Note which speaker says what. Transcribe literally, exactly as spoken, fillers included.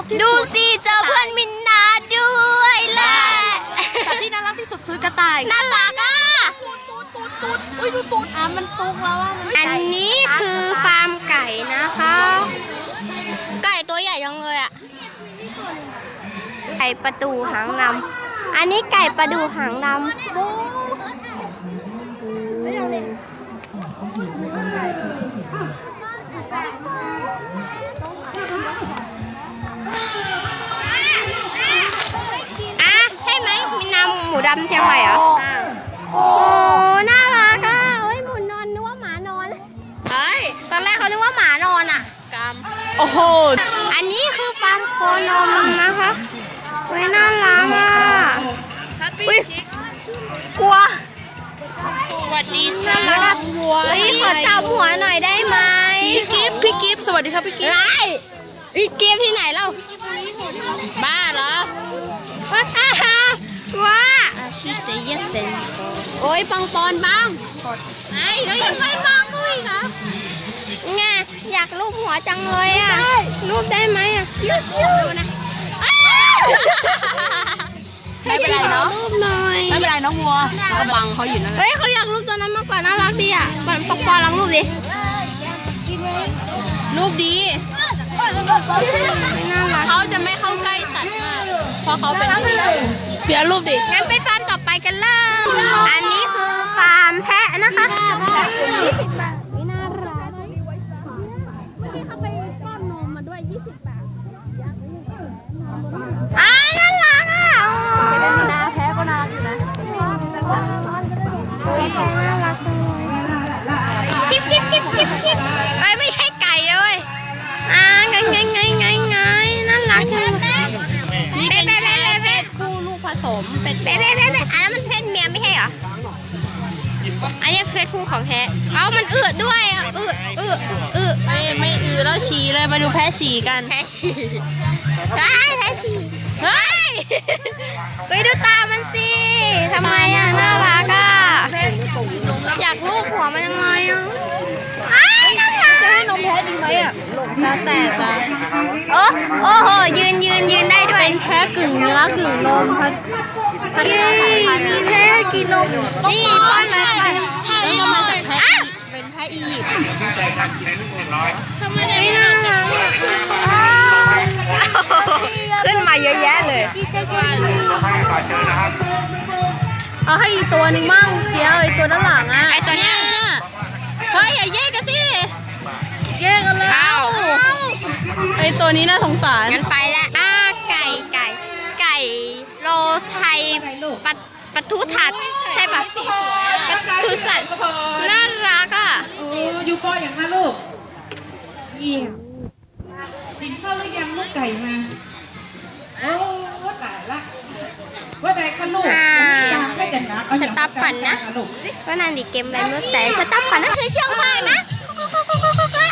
Speaker 1: รักที่สุด
Speaker 2: ดูสิเจอเพื่อนมินนาด้วยแหละ
Speaker 1: แต่ที่น่ารักที่สุดคือกระต่าย
Speaker 2: น่ารักอ่ะ
Speaker 1: ตูดตูดตูดตูดอุ้ยดูตูดอ่ะมันซุกแล้วอ่ะ
Speaker 2: อันนี้คือฟาร์มไก่นะคะไก่ตัวใหญ่จังเลยอ่ะไก่ประตูหางดำอันนี้ไก่ประดูหางดำอ่ะใช่ไหมมีน้ำหมูดำเชียงใหม่เหรอโอ้น่ารักอ่ะโอ้ยหมูนอนนึกว่าหมานอนเฮ้ยตอนแรกเขานึกว่าหมานอนอ่ะ
Speaker 1: โอ้โห
Speaker 2: อันนี้คือฟาร์มโคนมนะคะเฮ้ยน่ารักอ่ะอุ้ยกลัว
Speaker 1: สวัสดี
Speaker 2: น่ารักอ่ะเฮ้ยขอจับหัวหน่อยได้ไหม
Speaker 1: พี่กิฟต์พี่กิฟต์สวัสดีครับพี่กิฟต์
Speaker 2: ไรอีกเกมที่ไหนเล่า
Speaker 1: บ้าเหรอ
Speaker 2: ว้าฮ่าฮ่ากลัว
Speaker 1: ชื่อเจเยสเซน
Speaker 2: โอ้ยปังปอนบ้างไอ้แล้วยังไม่บ้างก็อีกเหรอไงอยากรูปหัวจังเลยอ่ะรูปได้ไหมอ่ะดูนะ
Speaker 1: ไม่เป็นไรเนาะ
Speaker 2: รูปหน่อย
Speaker 1: ไม่เป็นไรน้องวัวก็บังเขาอยู่นั่นแหละ
Speaker 2: เฮ้ยเขาอยากรูปตัวนั้นมากกว่าน่ารักดีอ่ะปอนปอนลองรูปดิ
Speaker 1: รูปดี
Speaker 2: น่ารัก
Speaker 1: เขาจะไม่เข้าใกล้สัตว์มากเพราะเขาเป็นพี่เสียรูปดิ
Speaker 2: งั้นไปฟาร์มต่อไปกันเลยอันนี้คือฟาร์มแพะนะคะยี่สิบบาทนี่น่ารักเมื่อกี้เขาไปป้อนนมมาด้วยยี่สิบบาทอ่าน่ารักอ่ะนาแพะก็น่ารักอยู่นะน่ารักจังเลยจิ๊บจิ๊บจิ๊บจิ๊บจิ๊บไอ้ไม่ใช่ไก่เลยอ่าไงไงไงไงไงน่ารักจังเลย
Speaker 1: นี่เป็น
Speaker 2: เบ๊ะ
Speaker 1: แพะ
Speaker 2: เบ๊ะเบ๊ะ
Speaker 1: คู่ลูกผสมเป็น
Speaker 2: เบ๊ะเบ๊ะเบ๊ะเบ๊ะอันนั้นมันเพศเมียไม่ใช่เหรอ อันนี้เพศผู้ของแท้เอามันอืดด้วยอ่ะอืดอืดอืด
Speaker 1: ไม่ไม่อือแล้วฉี่เลยมาดูแพะฉี่กัน
Speaker 2: แพ้ฉี่ได้แพ้ฉี่เฮ้ย ไปดูตามันสิทำไมอ่ะน่ารักอ่ะ อยากลูบหัวมันยังไงอ่ะอ้ายน่ารัก
Speaker 1: จะให้นมแพะดีไหมอ่ะแล้วแต่จะ
Speaker 2: โอ้โอ้โหยืนยืนยืนได้ด้วย
Speaker 1: เป็นแพะกึ่งเนื้อกึ่งนมพัด
Speaker 2: เย้มีแพ้กินนมนี่ป้อนเลยค่ะ
Speaker 1: แล้วก็มาจากแพะอียิปต์เป็นแพะอียิปต์ทำไม
Speaker 2: ไม่
Speaker 1: ไม่
Speaker 2: น่า
Speaker 1: น่า
Speaker 2: รักอ่ะขึ้นมาเยอะแยะเลย
Speaker 1: เอาให้อีกตัวหนึ่งมั่งเดี๋ยวไอตัวด้านหลังอ่ะ
Speaker 2: ไอ้ตัวเนี้ย
Speaker 1: น่ะเฮ้ยอย่าแยกกันสิแยกกันแล้วไอตัวนี้น่าสงสาร
Speaker 2: งั้นไปแล้วอ่าไก่ไก่ไก่โลไทยปะปะทุถัดใช่ปะปะทุสัตว์น่ารักอ่ะ
Speaker 3: โอ้อยู่ก้อนอย่างนั้นลูกเยี่ยมกินข้าวหรือยังลูกไก่มาโอ้ว่าแต่ละว่าแต่ขนมจางไม่กันนะเอาอย่าง
Speaker 2: สต๊อปก่อนนะ
Speaker 3: ลูก
Speaker 2: ก็นั่นดิเกมอะไรไม่รู้แต่สต๊อปก่อนนะคือเชื่องมากนะ